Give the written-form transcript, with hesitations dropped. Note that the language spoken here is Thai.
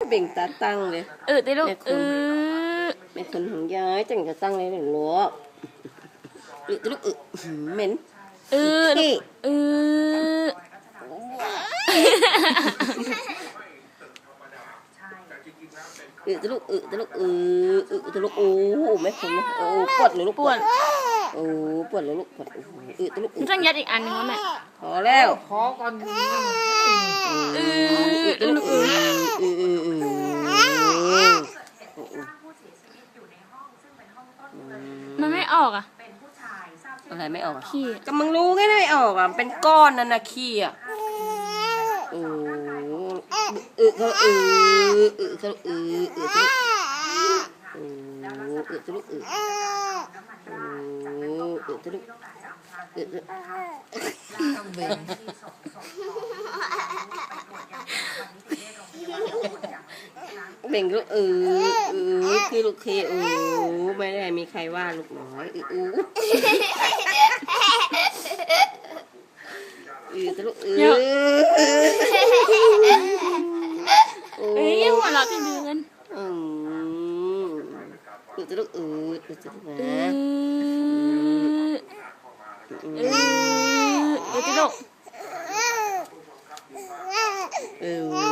เบ่งตาตั้งเลยได้ลูกเป็นคนของยายจังจะตั้งเลยหรือลูกลูกเหม็นลูกจะลูกจะลูกจะลูกโอ้ไม่คนนะโอ้ปวดเลยลูกปวดโอ้ปวดเลยลูกปวดจะลูกต้องยัดอีกอันนึงแม่พอแล้วขอก่อนลูกมันไม่ออกอ่ะอะไรไม่ออกขี้ก็มึงรู้ไงไม่ออกอ่ะเป็นก้อนนั่นนะขี้อ่ะโอ้เขาเขาจะลูกจะลูกเบ่งลูกคือลูกเคไม่ได้มีใครว่าลูกน้อยจะลูกหัวเราะเป็นเดือนจะลูกจะลูกนะจะลูก